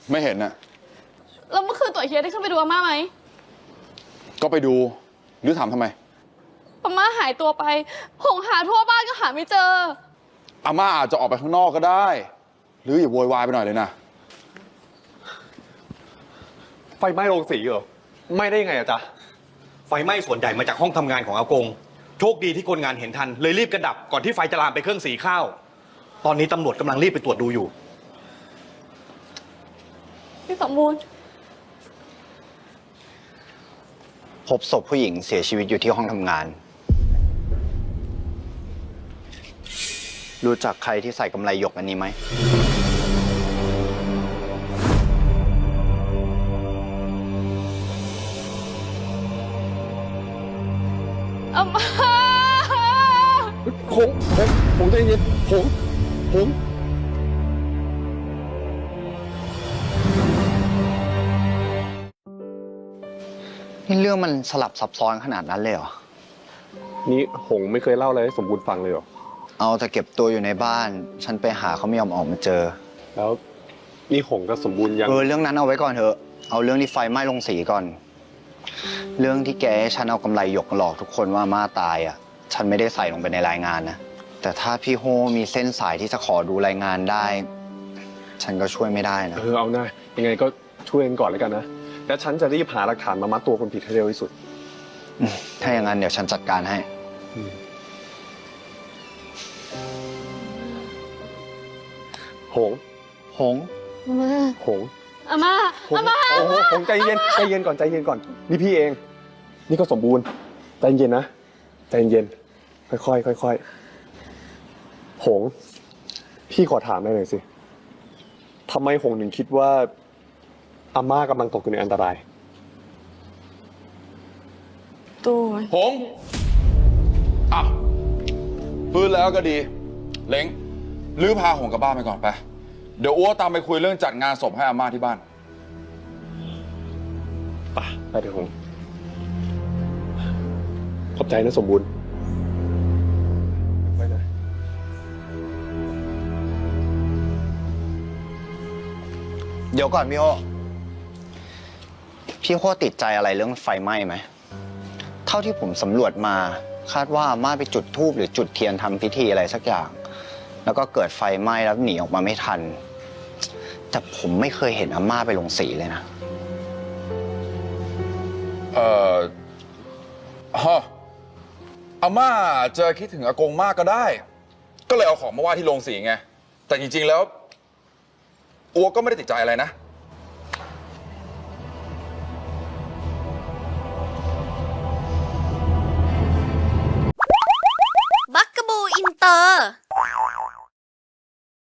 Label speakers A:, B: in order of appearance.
A: ไม่เห็นน่ะ
B: แล้วเมื่อคืนตัวเฮียได้ขึ้นไปดูอาม่าไหม
A: ก็ไปดูหรือถามทำไม
B: อาม่าหายตัวไปหงหาทั่วบ้านก็หาไม่เจอ
A: อาม่าอาจจะออกไปข้างนอกก็ได้หรืออย่าโวยวายไปหน่อยเลยนะ
C: ไฟไหม้โรงสีเหรอไหม้ได้ยังไงอะจ๊ะ
D: ไฟไหม้ส่วนใหญ่มาจากห้องทำงานของอากงโชคดีที่คนงานเห็นทันเลยรีบกระดับก่อนที่ไฟจะลามไปเครื่องสีข้าวตอนนี้ตำรวจกำลังรีบไปตรวจดูอยู่
B: พี่สมบูรณ์
E: พบศพผู้หญิงเสียชีวิตอยู่ที่ห้องทำงานรู้จักใครที่ใส่กำไลหยกอันนี้ไหม
B: อาม่า
C: หงใจเย็นหง
E: นี่เรื่องมันสลับซับซ้อนขนาดนั้นเลยเหรอ
C: นี่หงไม่เคยเล่าอะไรให้สมบูรณ์ฟังเลยเหรอ
E: เอาแต่เก็บตัวอยู่ในบ้านฉันไปหาเขาไม่ยอมออกมาเจอ
C: แล้วนี่หงกับสมบูรณ์ยัง
E: เรื่องนั้นเอาไว้ก่อนเถอะเอาเรื่องที่ไฟไหม้โรงสีก่อนเรื่องที่แกให้ฉันเอากำไลหยกหลอกทุกคนว่าม่าตายอ่ะฉันไม่ได้ใส่ลงไปในรายงานนะแต่ถ้าพี่โฮมีเส้นสายที่จะขอดูรายงานได้ฉันก็ช่วยไม่ได้นะ
C: เอาหน้ายังไงก็ช่วยกันก่อนแล้วกันนะแล้วฉันจะรีบหาหลักฐานมามัดตัวคนผิดให้เร็วที่สุด
E: ถ้าอย่างนั้นเดี๋ยวฉันจัดการให้
C: หง
E: หง
C: หง
B: อาม่า
C: หงใจเย็นก่อนนี่พี่เองนี่ก็สมบูรณ์ใจเย็นนะใจเย็นค่อยหงพี่ขอถามได้เลยสิทำไมหงถึงคิดว่าอาม่ากำลังตกอยู่ในอันตราย
B: ตัว
A: หงอ่ะฟื้นแล้วก็ดีเล้งลื้อพาหงกลับบ้านไปก่อนไปเดี๋ยวอ้วตามไปคุยเรื่องจัดงานศพให้อาม่าที่บ้าน
C: ไปเถอะหงขอบใจนะสมบูรณ์ไปนะ
E: เดี๋ยวก่อนพี่โฮติดใจอะไรเรื่องไฟไหม้ไหมเท่าที่ผมสำรวจมาคาดว่าอาม่าไปจุดธูปหรือจุดเทียนทำพิธีอะไรสักอย่างแล้วก็เกิดไฟไหม้แล้วหนีออกมาไม่ทันแต่ผมไม่เคยเห็นอาม่าไปลงสีเลยนะ
A: อาม่าจะคิดถึงอากงมากก็ได้ก็เลยเอาของมาไหว้ที่โรงสีไงแต่จริงๆแล้วอัวก็ไม่ได้ติดใจอะไรนะ